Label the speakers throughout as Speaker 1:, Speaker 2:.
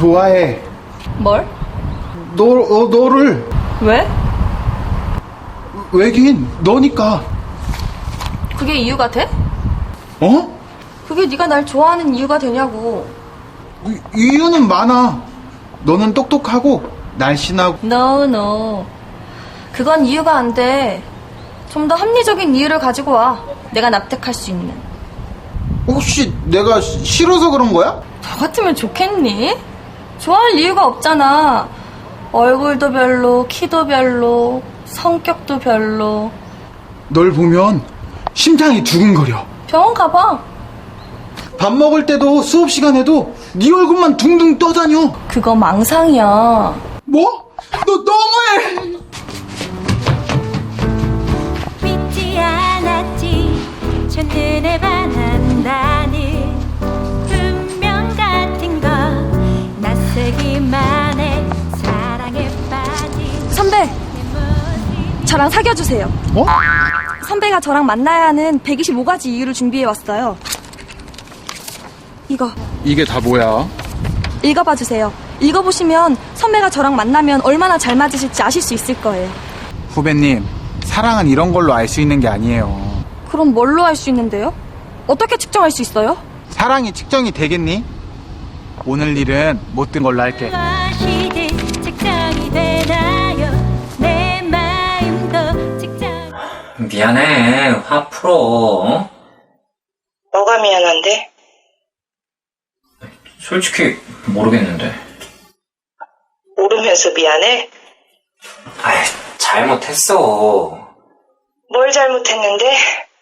Speaker 1: 좋아해.
Speaker 2: 뭘?
Speaker 1: 너를.
Speaker 2: 왜?
Speaker 1: 왜긴 너니까.
Speaker 2: 그게 이유가 돼?
Speaker 1: 어?
Speaker 2: 그게 네가 날 좋아하는 이유가 되냐고.
Speaker 1: 이유는 많아. 너는 똑똑하고 날씬하고.
Speaker 2: No. 그건 이유가 안 돼. 좀 더 합리적인 이유를 가지고 와. 내가 납득할 수 있는.
Speaker 1: 혹시 내가 싫어서 그런 거야?
Speaker 2: 너 같으면 좋겠니? 좋아할 이유가 없잖아. 얼굴도 별로, 키도 별로, 성격도 별로.
Speaker 1: 널 보면 심장이 두근거려.
Speaker 2: 병원 가봐.
Speaker 1: 밥 먹을 때도 수업 시간에도 네 얼굴만 둥둥 떠다녀.
Speaker 2: 그거 망상이야.
Speaker 1: 뭐? 너 너무해.
Speaker 3: 믿지 않았지 첫눈에 반한다는 운명 같은 거 낯설기만 해 사랑에 빠진
Speaker 2: 선배,
Speaker 3: 내 모습이
Speaker 2: 저랑 사귀어주세요.
Speaker 1: 어?
Speaker 2: 선배가 저랑 만나야 하는 125가지 이유를 준비해왔어요. 이거
Speaker 1: 이게 다 뭐야?
Speaker 2: 읽어봐주세요. 읽어보시면 선배가 저랑 만나면 얼마나 잘 맞으실지 아실 수 있을 거예요.
Speaker 1: 후배님, 사랑은 이런 걸로 알 수 있는 게 아니에요.
Speaker 2: 그럼 뭘로 알 수 있는데요? 어떻게 측정할 수 있어요?
Speaker 1: 사랑이 측정이 되겠니? 오늘 일은 못 든 걸로 할게.
Speaker 3: 무엇이든 측정이 되나요 내 마음도 측정
Speaker 4: 미안해. 화 풀어. 어?
Speaker 5: 뭐가 미안한데?
Speaker 4: 솔직히 모르겠는데.
Speaker 5: 모르면서 미안해?
Speaker 4: 아이, 잘못했어.
Speaker 5: 뭘 잘못했는데?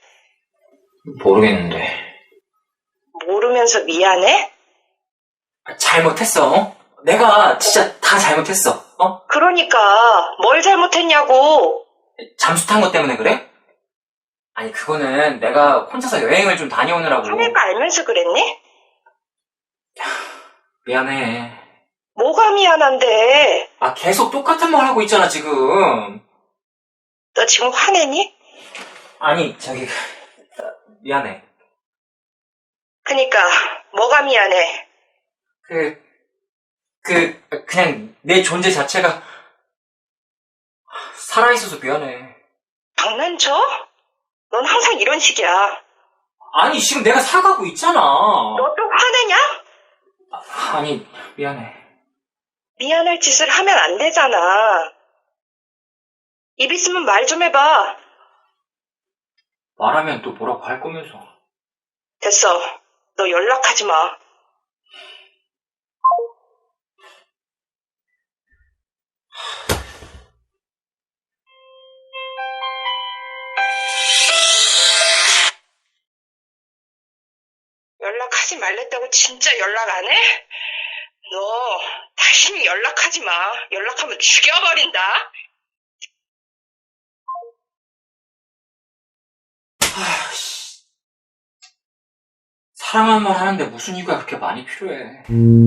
Speaker 4: 모르겠는데.
Speaker 5: 모르면서 미안해?
Speaker 4: 잘못했어. 어? 내가 진짜 다 잘못했어. 어?
Speaker 5: 그러니까 뭘 잘못했냐고.
Speaker 4: 잠수 탄 것 때문에 그래? 아니, 그거는 내가 혼자서 여행을 좀 다녀오느라고.
Speaker 5: 선배가 알면서 그랬니?
Speaker 4: 미안해.
Speaker 5: 뭐가 미안한데?
Speaker 4: 아, 계속 똑같은 말 하고 있잖아, 지금.
Speaker 5: 너 지금 화내니?
Speaker 4: 아니, 미안해.
Speaker 5: 그니까 뭐가 미안해?
Speaker 4: 그냥 내 존재 자체가 살아있어서 미안해.
Speaker 5: 장난쳐? 넌 항상 이런 식이야.
Speaker 4: 아니, 지금 내가 사과하고 있잖아.
Speaker 5: 너 또 화내냐?
Speaker 4: 아니, 미안해.
Speaker 5: 미안할 짓을 하면 안 되잖아. 입 있으면 말 좀 해봐.
Speaker 4: 말하면 또 뭐라고 할 거면서.
Speaker 5: 됐어. 너 연락하지 마. 연락하지 말랬다고 진짜 연락 안 해? 너 다시는 연락하지 마. 연락하면 죽여버린다.
Speaker 4: 사랑한 말 하는데 무슨 이유가 그렇게 많이 필요해.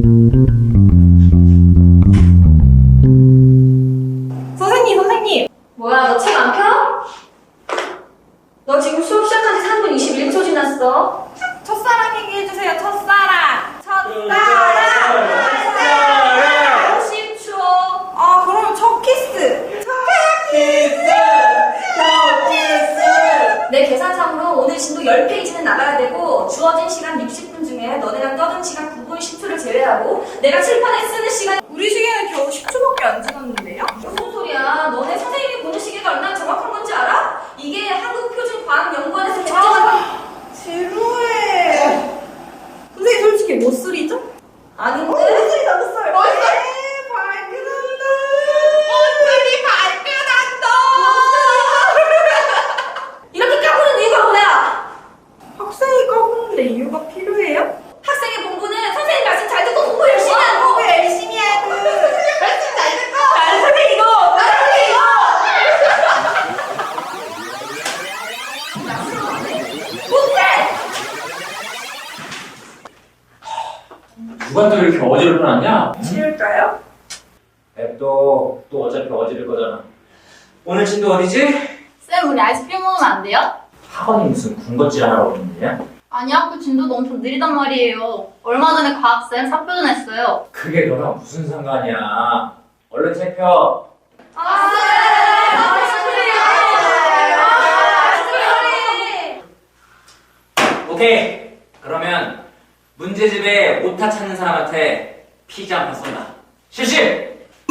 Speaker 2: 선생님! 뭐야, 너 책 안 펴? 너 지금 수업 시작한 지 3분 21초 지났어.
Speaker 6: 첫사랑 얘기해주세요. 첫사랑. 첫사랑.
Speaker 2: 50초.
Speaker 6: 아, 그러면 첫 키스.
Speaker 2: 내 계산상으로 오늘 진도 10페이지는 나가야 되고 주어진 시간 60분 중에 너네랑 떠든 시간 9분 10초를 제외하고 내가 칠판에 쓰는 시간
Speaker 6: 우리 시계는 겨우 10초밖에 안 지났는데요?
Speaker 2: 무슨 소리야? 너네 선생님이 보는 시계가 얼마나 정확한 건지 알아? 이게 한국표준과학연구원에서 결정한
Speaker 6: 지루해. 선생님 솔직히 뭐 소리죠?
Speaker 2: 아닌데?
Speaker 6: 목소리 나도 써요. 발끈한다. 목소리 발끈한다.
Speaker 2: 이렇게 까부는 이유가 뭐야?
Speaker 6: 학생이 까부는데 이유가 필요해요?
Speaker 2: 학생의 공부는 선생님 말씀 잘 듣고 공부 열심히 하고
Speaker 6: 공부 열심히 하고 말씀 잘 듣고
Speaker 2: 나를 이거!
Speaker 4: 누가 또 이렇게 어지럽게 났냐?
Speaker 6: 지울까요?
Speaker 4: 앱도 또 어차피 어지를 거잖아. 오늘 진도 어디지?
Speaker 7: 쌤, 우리 아이스크림 먹으면 안 돼요?
Speaker 4: 학원이 무슨 군것질 하라고 그러는 거냐?
Speaker 7: 아니 학교 진도도 엄청 느리단 말이에요. 얼마 전에 과학쌤 사표전 했어요.
Speaker 4: 그게 너랑 무슨 상관이야. 얼른 체표. 오케이. 그러면 문제집에 오타 찾는 사람한테 피자 한 판 쏜다. 실시!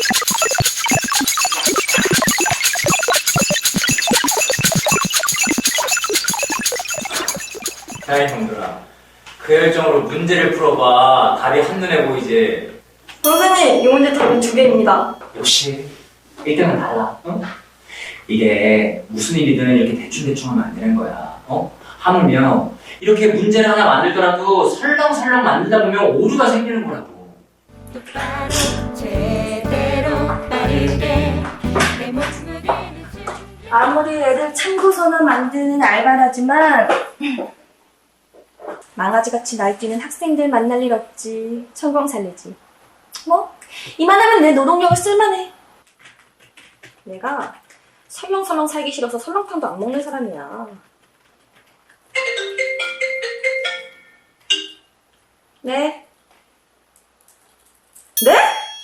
Speaker 4: 자, 형들아. 그 열정으로 문제를 풀어봐. 답이 한눈에 보이지.
Speaker 2: 선생님, 이 문제 답은 2개입니다.
Speaker 4: 역시 1등은 달라. 어? 이게 무슨 일이든 이렇게 대충대충 하면 안 되는 거야. 하물며 이렇게 문제를 하나 만들더라도 설렁설렁 만들다 보면 오류가 생기는 거라고.
Speaker 3: 똑바로 제대로 빠르게 내 목숨을 걸는
Speaker 2: 아무리 애들 참고서나 만드는 알바라지만 망아지같이 날뛰는 학생들 만날 일 없지. 천공 살리지. 뭐 이만하면 내 노동력을 쓸만해. 내가 설렁설렁 살기 싫어서 설렁탕도 안 먹는 사람이야. 네? 네?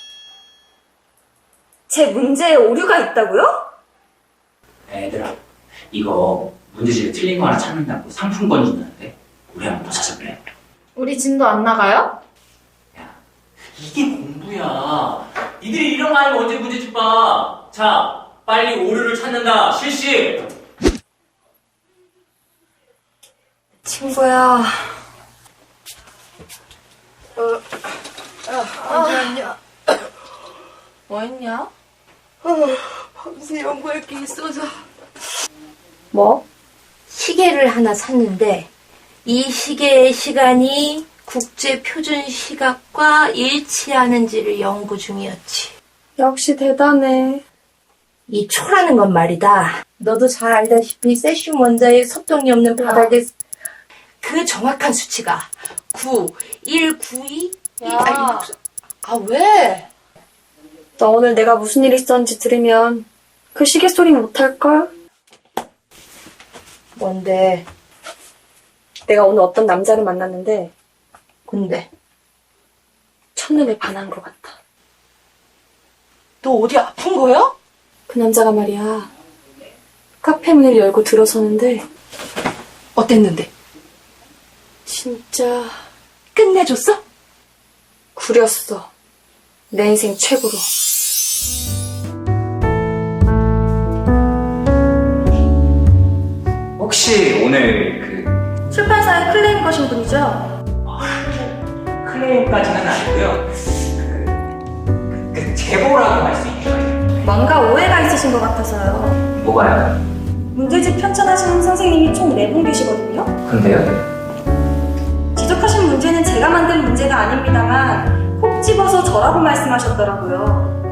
Speaker 2: 제 문제에 오류가 있다고요?
Speaker 4: 애들아, 이거 문제집에 틀린 거 하나 찾는다고 상품권 준다는데 우리 한번 더 찾아볼래?
Speaker 7: 우리 진도 안 나가요?
Speaker 4: 야, 이게 공부야. 니들이 이런 거 아니면 언제 문제집 봐. 자, 빨리 오류를 찾는다. 실시!
Speaker 2: 친구야. 뭐 했냐?
Speaker 8: 밤새 연구할 게 있어서
Speaker 2: 뭐?
Speaker 8: 시계를 하나 샀는데 이 시계의 시간이 국제표준시각과 일치하는지를 연구 중이었지.
Speaker 2: 역시 대단해.
Speaker 8: 이 초라는 건 말이다. 너도 잘 알다시피 세슘 원자의 섭동이 없는 바닥에 그 정확한 수치가 9, 1, 9, 2?
Speaker 2: 야.
Speaker 8: 왜?
Speaker 2: 너 오늘 내가 무슨 일 있었는지 들으면 그 시계 소리 못할걸?
Speaker 8: 뭔데?
Speaker 2: 내가 오늘 어떤 남자를 만났는데
Speaker 8: 근데
Speaker 2: 첫눈에 반한 것 같아.
Speaker 8: 너 어디 아픈 거야?
Speaker 2: 그 남자가 말이야. 카페 문을 열고 들어서는데
Speaker 8: 어땠는데?
Speaker 2: 진짜
Speaker 8: 끝내줬어?
Speaker 2: 구렸어. 내 인생 최고로.
Speaker 4: 혹시 오늘
Speaker 2: 출판사에 클레임 거신 분이죠?
Speaker 4: 클레임까지는 아니고요. 제보라고 할 수 있죠.
Speaker 2: 뭔가 오해가 있으신 것 같아서요.
Speaker 4: 뭐가요?
Speaker 2: 문제집 편찬하시는 선생님이 총 4분 계시거든요?
Speaker 4: 근데요?
Speaker 2: 지적하신 문제는 제가 만든 문제가 아닙니다만 콕 집어서 저라고 말씀하셨더라고요.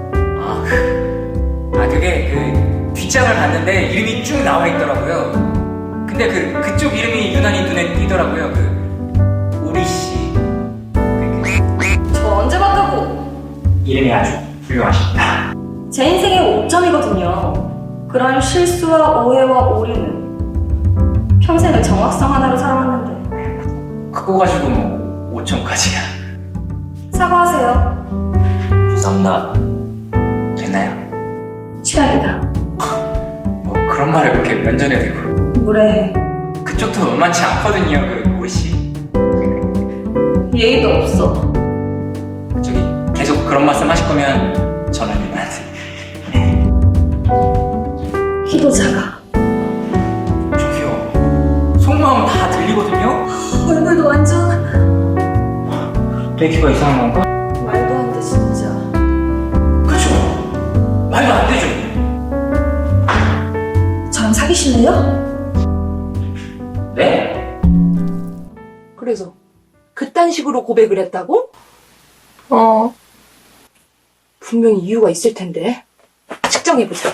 Speaker 4: 그게 뒷장을 봤는데 이름이 쭉 나와 있더라고요. 근데 그쪽 이름이 유난히 눈에 띄더라고요. 오리 씨.
Speaker 2: 저 언제 봤다고?
Speaker 4: 이름이 아주 훌륭하십니다.
Speaker 2: 제 인생의 5점이거든요. 그런 실수와 오해와 오류는 평생을 정확성 하나로 살아왔는데
Speaker 4: 그거 가지고 뭐 5천까지야.
Speaker 2: 사과하세요.
Speaker 4: 죄송합니다. 됐나요?
Speaker 2: 취향이다.
Speaker 4: 뭐 그런 말을 그렇게 면전에 대고.
Speaker 2: 뭐래.
Speaker 4: 그쪽도 만만치 않거든요. 오리 씨.
Speaker 2: 예의도 없어.
Speaker 4: 저기 계속 그런 말씀 하실 거면 저는 이만한테.
Speaker 2: 키도 작아.
Speaker 4: 저기요. 속마음 다 들리거든요?
Speaker 2: 얼굴도 완전
Speaker 4: 내 귀가 이상한 건가?
Speaker 2: 말도 안 돼 진짜.
Speaker 4: 그쵸? 말도 안 되죠?
Speaker 2: 저랑 사귀실래요?
Speaker 4: 네?
Speaker 8: 그래서 그딴 식으로 고백을 했다고? 분명히 이유가 있을 텐데. 측정해보자.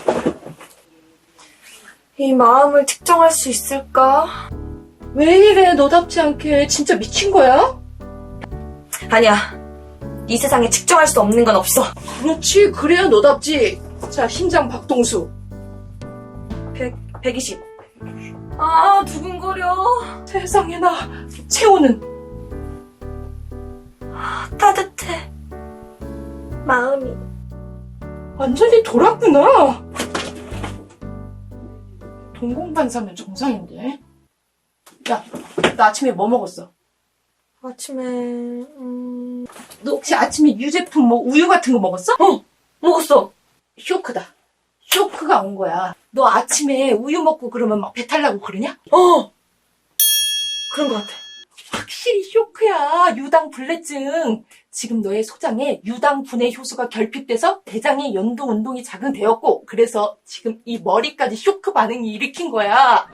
Speaker 2: 이 마음을 특정할 수 있을까?
Speaker 8: 왜 이래 너답지 않게. 진짜 미친 거야?
Speaker 2: 아니야. 이 세상에 측정할 수 없는 건 없어.
Speaker 8: 그렇지, 그래야 너답지. 자, 심장 박동수.
Speaker 2: 120. 아, 두근거려.
Speaker 8: 세상에나. 채호는?
Speaker 2: 따뜻해. 마음이.
Speaker 8: 완전히 돌았구나. 동공반사면 정상인데. 야, 나 아침에 뭐 먹었어?
Speaker 2: 아침에,
Speaker 8: 너 혹시 아침에 유제품 뭐 우유 같은 거 먹었어?
Speaker 2: 먹었어.
Speaker 8: 쇼크다. 쇼크가 온 거야. 너 아침에 우유 먹고 그러면 막 배탈 나고 그러냐?
Speaker 2: 그런 것 같아.
Speaker 8: 확실히 쇼크야. 유당불내증. 지금 너의 소장에 유당분해 효소가 결핍돼서 대장의 연동 운동이 자극되었고, 그래서 지금 이 머리까지 쇼크 반응이 일으킨 거야.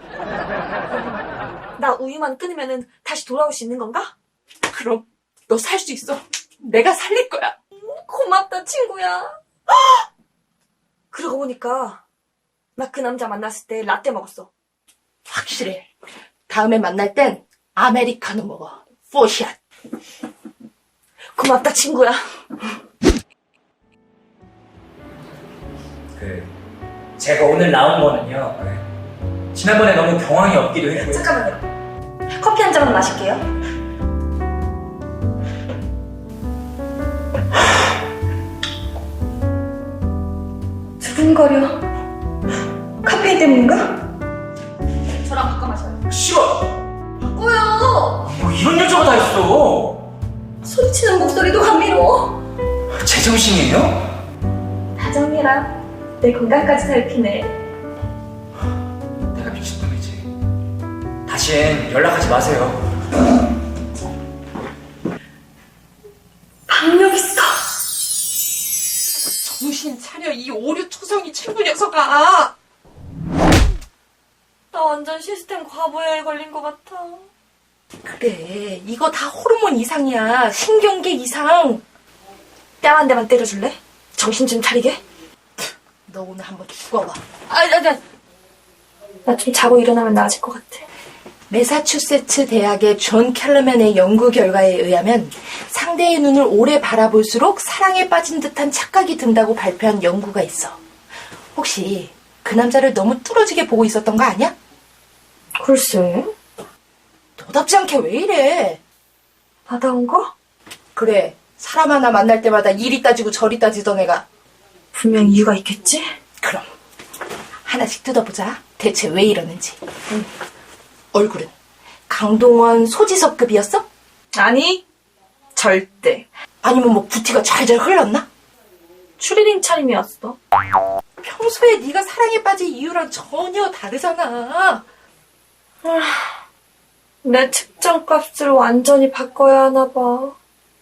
Speaker 2: 나 우유만 끊으면은 다시 돌아올 수 있는 건가?
Speaker 8: 그럼 너 살 수 있어. 내가 살릴 거야.
Speaker 2: 고맙다, 친구야. 그러고 보니까 나 그 남자 만났을 때 라떼 먹었어.
Speaker 8: 확실해. 다음에 만날 땐 아메리카노 먹어. 포샷.
Speaker 2: 고맙다, 친구야.
Speaker 4: 제가 오늘 나온 거는요. 지난번에 너무 경황이 없기도 했고요.
Speaker 2: 잠깐만요. 커피 한 잔만 마실게요. 두근거려. 카페인 때문인가? 저랑 바꿔 마셔요.
Speaker 4: 싫어.
Speaker 2: 바꿔요.
Speaker 4: 뭐 이런 여자가 다 있어.
Speaker 2: 소리치는 목소리도 감미로워.
Speaker 4: 제정신이에요?
Speaker 2: 다정이랑 내 건강까지 살피네.
Speaker 4: 내가 미친놈이지. 다신 연락하지 마세요.
Speaker 2: 박력 있어.
Speaker 8: 정신 차려, 이 오류 초성이 친구 녀석아.
Speaker 2: 나 완전 시스템 과부하에 걸린 것 같아.
Speaker 8: 그래, 이거 다 호르몬 이상이야. 신경계 이상.
Speaker 2: 뺨 한 대만 때려줄래? 정신 좀 차리게.
Speaker 8: 너 오늘 한번 죽어봐.
Speaker 2: 나 좀 자고 일어나면 나아질 것 같아.
Speaker 8: 매사추세츠 대학의 존 켈러맨의 연구 결과에 의하면 상대의 눈을 오래 바라볼수록 사랑에 빠진 듯한 착각이 든다고 발표한 연구가 있어. 혹시 그 남자를 너무 뚫어지게 보고 있었던 거 아니야?
Speaker 2: 글쎄.
Speaker 8: 너답지 않게 왜 이래?
Speaker 2: 받아온 거?
Speaker 8: 그래, 사람 하나 만날 때마다 이리 따지고 저리 따지던 애가.
Speaker 2: 분명 이유가 있겠지?
Speaker 8: 그럼 하나씩 뜯어보자. 대체 왜 이러는지. 얼굴은 강동원, 소지섭급이었어?
Speaker 2: 아니, 절대.
Speaker 8: 아니면 뭐 부티가 잘잘 흘렀나?
Speaker 2: 추리닝 차림이었어.
Speaker 8: 평소에 네가 사랑에 빠진 이유랑 전혀 다르잖아.
Speaker 2: 내 측정값을 완전히 바꿔야 하나 봐.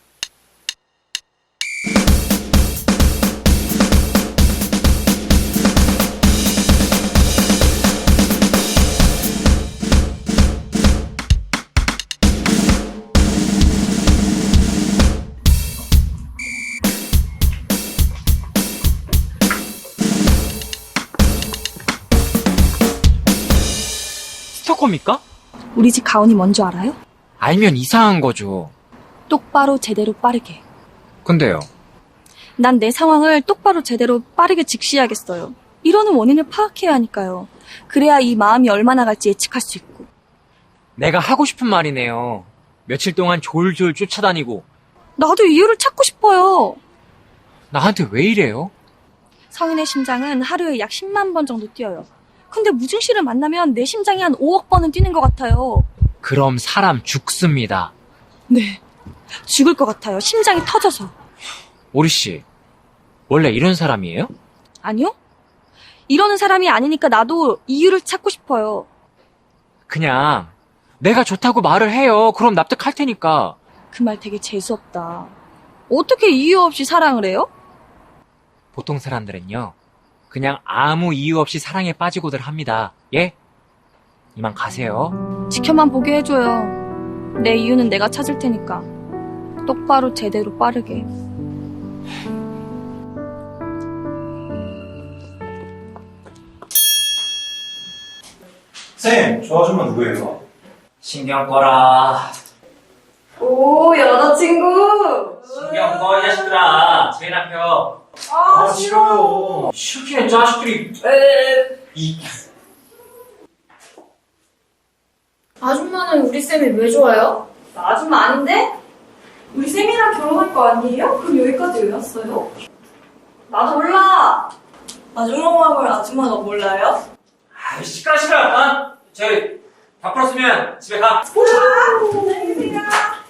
Speaker 9: 스토커입니까?
Speaker 2: 우리 집 가온이 뭔지 알아요?
Speaker 9: 알면 이상한 거죠.
Speaker 2: 똑바로 제대로 빠르게.
Speaker 9: 근데요.
Speaker 2: 난 내 상황을 똑바로 제대로 빠르게 직시해야겠어요. 이러는 원인을 파악해야 하니까요. 그래야 이 마음이 얼마나 갈지 예측할 수 있고.
Speaker 9: 내가 하고 싶은 말이네요. 며칠 동안 졸졸 쫓아다니고.
Speaker 2: 나도 이유를 찾고 싶어요.
Speaker 9: 나한테 왜 이래요?
Speaker 2: 성인의 심장은 하루에 약 10만 번 정도 뛰어요. 근데 무증 씨를 만나면 내 심장이 한 5억 번은 뛰는 것 같아요.
Speaker 9: 그럼 사람 죽습니다.
Speaker 2: 네. 죽을 것 같아요. 심장이 터져서.
Speaker 9: 오리 씨, 원래 이런 사람이에요?
Speaker 2: 아니요? 이러는 사람이 아니니까 나도 이유를 찾고 싶어요.
Speaker 9: 그냥 내가 좋다고 말을 해요. 그럼 납득할 테니까.
Speaker 2: 그 말 되게 재수없다. 어떻게 이유 없이 사랑을 해요?
Speaker 9: 보통 사람들은요. 그냥 아무 이유 없이 사랑에 빠지고들 합니다. 예? 이만 가세요.
Speaker 2: 지켜만 보게 해줘요. 내 이유는 내가 찾을 테니까. 똑바로 제대로 빠르게.
Speaker 1: 쌤, 저 아줌마 누구예요?
Speaker 4: 신경 꺼라.
Speaker 6: 오, 여자친구.
Speaker 4: 신경 꺼, 이 자식들아. 제 남편.
Speaker 1: 아, 싫어요.
Speaker 4: 싫기는 자식들이. 이.
Speaker 7: 아줌마는 우리 쌤이 왜 좋아요?
Speaker 2: 나 아줌마 아닌데? 우리 쌤이랑 결혼할 거 아니에요? 그럼 여기까지 왜 왔어요? 나도 몰라. 아줌마 마음을 아줌마가 몰라요?
Speaker 4: 아, 시끄러. 어? 저희 다 풀었으면 집에 가.
Speaker 2: 안녕히 계세요.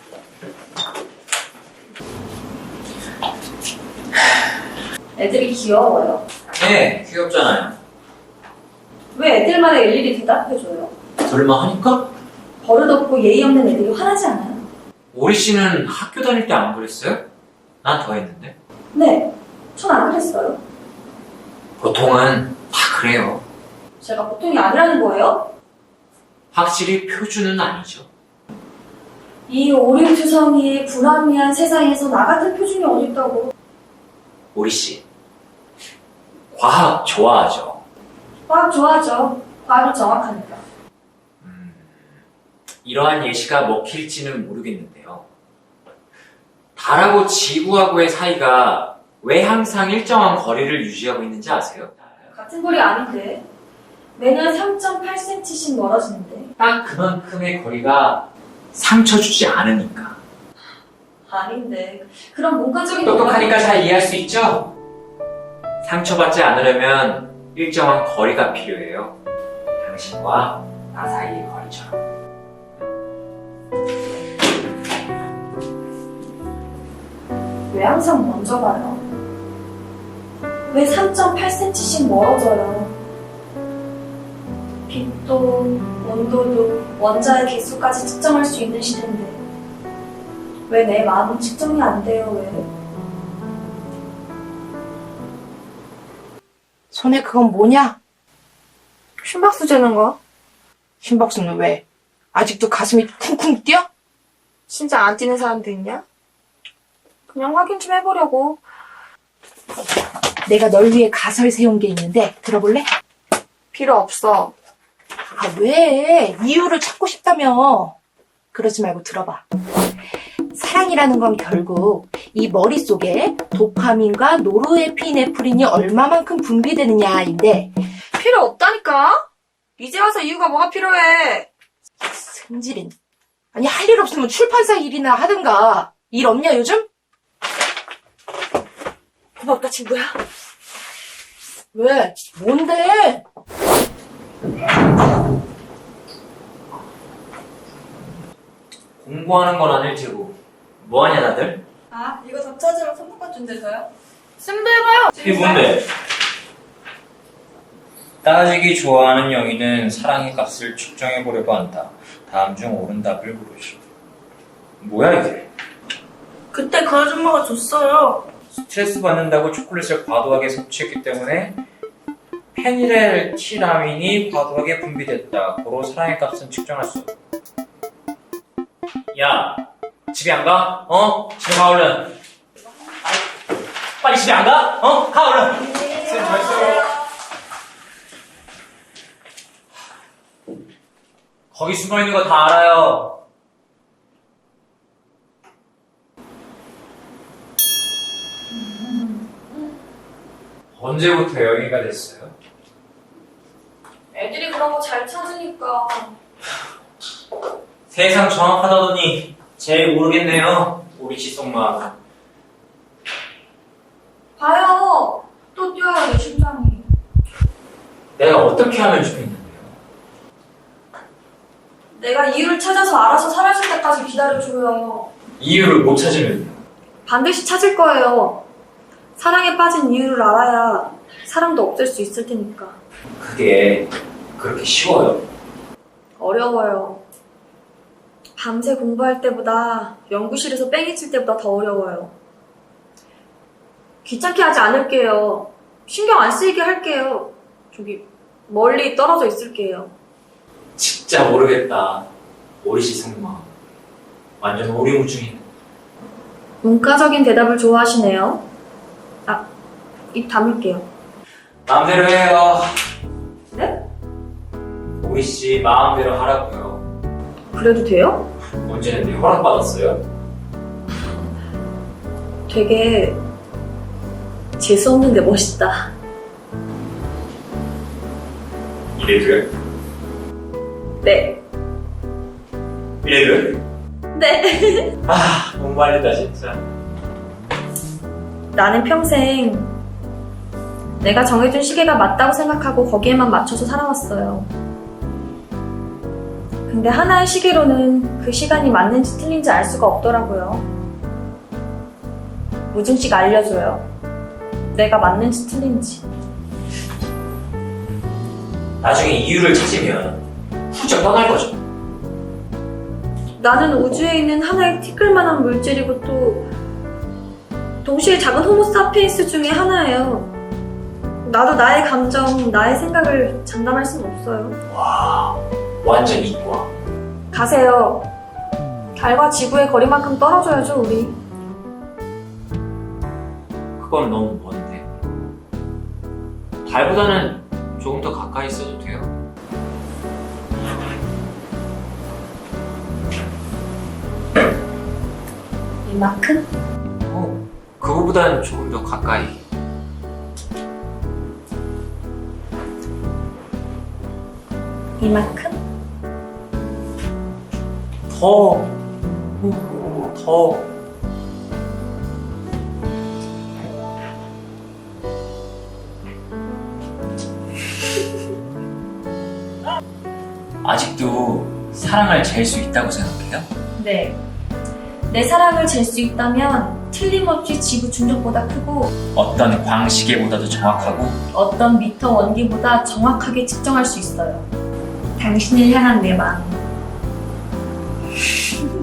Speaker 2: 애들이 귀여워요.
Speaker 4: 네, 귀엽잖아요.
Speaker 2: 왜 애들마다 일일이 대답해줘요?
Speaker 4: 설마 하니까?
Speaker 2: 버릇없고 예의 없는 애들이 화나지 않아요?
Speaker 4: 오리 씨는 학교 다닐 때 안 그랬어요? 난 더 했는데.
Speaker 2: 네, 전 안 그랬어요.
Speaker 4: 보통은 다 그래요.
Speaker 2: 제가 보통이 아니라는 거예요?
Speaker 4: 확실히 표준은 아니죠.
Speaker 2: 이 오림투성이의 불합리한 세상에서 나 같은 표준이 어딨다고.
Speaker 4: 오리 씨, 과학 좋아하죠?
Speaker 2: 과학 좋아하죠. 과학이 정확하니까.
Speaker 4: 이러한 예시가 먹힐지는 모르겠는데요. 달하고 지구하고의 사이가 왜 항상 일정한 거리를 유지하고 있는지 아세요?
Speaker 2: 같은 거리 아닌데. 매년 3.8cm씩 멀어지는데.
Speaker 4: 딱 그만큼의 거리가 상처 주지 않으니까.
Speaker 2: 아닌데. 그럼 문과적인
Speaker 4: 똑똑하니까 잘 이해할 수 있죠? 상처받지 않으려면 일정한 거리가 필요해요. 당신과 나 사이의 거리처럼.
Speaker 2: 왜 항상 먼저 가요? 왜 3.8cm씩 멀어져요? 빛도 온도도 원자의 개수까지 측정할 수 있는 시대인데 왜 내 마음은 측정이 안 돼요? 왜?
Speaker 8: 손에 그건 뭐냐?
Speaker 6: 심박수 재는 거?
Speaker 8: 심박수는 왜? 아직도 가슴이 쿵쿵 뛰어?
Speaker 6: 진짜 안 뛰는 사람도 있냐? 그냥 확인 좀 해보려고.
Speaker 8: 내가 널 위해 가설 세운 게 있는데 들어볼래?
Speaker 6: 필요 없어.
Speaker 8: 아, 왜? 이유를 찾고 싶다며. 그러지 말고 들어봐. 사랑이라는 건 결국 이 머릿속에 도파민과 노르에피네프린이 얼마만큼 분비되느냐인데
Speaker 6: 필요 없다니까? 이제 와서 이유가 뭐가 필요해?
Speaker 8: 승질은. 아니, 할 일 없으면 출판사 일이나 하든가. 일 없냐, 요즘?
Speaker 6: 고맙다, 친구야.
Speaker 8: 왜? 뭔데?
Speaker 4: 공부하는 건 아닐 테고 뭐하냐 다들?
Speaker 2: 아, 이거 답 찾으면 선물권 준대서요?
Speaker 7: 쌤도 해봐요.
Speaker 4: 이게 뭔데? 따지기 좋아하는 영희는 사랑의 값을 측정해보려고 한다. 다음 중 옳은 답을 고르시오. 뭐야 이게?
Speaker 6: 그때 그 아줌마가 줬어요.
Speaker 4: 스트레스 받는다고 초콜릿을 과도하게 섭취했기 때문에 페닐에틸티라민이 과도하게 분비됐다. 고로 사랑의 값은 측정할 수 없다. 야, 집에 안 가? 집에 가 얼른. 빨리 집에 안 가? 가 얼른. 쌤 잘했어요. 거기 숨어 있는 거 다 알아요. 언제부터 영희가 됐어요?
Speaker 2: 애들이 그런 거 잘 찾으니까.
Speaker 4: 세상 정확하다더니 제일 모르겠네요. 우리 지속마.
Speaker 2: 봐요. 또 뛰어요, 내 심장이.
Speaker 4: 내가 어떻게 하면 좋겠는데요?
Speaker 2: 내가 이유를 찾아서 알아서 사라질 때까지 기다려줘요.
Speaker 4: 이유를 못 찾으면요?
Speaker 2: 반드시 찾을 거예요. 사랑에 빠진 이유를 알아야 사랑도 없앨 수 있을 테니까.
Speaker 4: 그게 그렇게 쉬워요?
Speaker 2: 어려워요. 밤새 공부할 때보다 연구실에서 뺑이 칠 때보다 더 어려워요. 귀찮게 하지 않을게요. 신경 안 쓰이게 할게요. 저기 멀리 떨어져 있을게요.
Speaker 4: 진짜 모르겠다. 오리시 성마. 완전 오리무중이네.
Speaker 2: 문과적인 대답을 좋아하시네요. 아, 입 다물게요.
Speaker 4: 마음대로 해요.
Speaker 2: 네?
Speaker 4: 오리씨 마음대로 하라고요.
Speaker 2: 그래도 돼요?
Speaker 4: 언제는데 허락받았어요?
Speaker 2: 되게 재수없는데 멋있다.
Speaker 4: 이래도요?
Speaker 2: 네.
Speaker 4: 이래도?
Speaker 2: 네.
Speaker 4: 아, 너무 말리다 진짜.
Speaker 2: 나는 평생 내가 정해준 시계가 맞다고 생각하고 거기에만 맞춰서 살아왔어요. 근데 하나의 시계로는 그 시간이 맞는지 틀린지 알 수가 없더라고요. 무증씨가 알려줘요. 내가 맞는지 틀린지.
Speaker 4: 나중에 이유를 찾으면 훌쩍 떠날 거죠.
Speaker 2: 나는 우주에 있는 하나의 티끌만한 물질이고 또 동시에 작은 호모사피엔스 중에 하나예요. 나도 나의 감정, 나의 생각을 장담할 수는 없어요.
Speaker 4: 와, 완전 이과.
Speaker 2: 가세요. 달과 지구의 거리만큼 떨어져야죠, 우리.
Speaker 9: 그건 너무 먼데. 달보다는 조금 더 가까이 있어도 돼요.
Speaker 2: 이만큼?
Speaker 9: 그거보단 조금 더 가까이.
Speaker 2: 이만큼?
Speaker 9: 더.
Speaker 4: 아직도 사랑을 잴 수 있다고 생각해요?
Speaker 2: 네. 내 사랑을 잴 수 있다면 틀림없이 지구 중력보다 크고
Speaker 4: 어떤 광시계보다도 정확하고
Speaker 2: 어떤 미터 원기보다 정확하게 측정할 수 있어요. 당신을 향한 내 마음.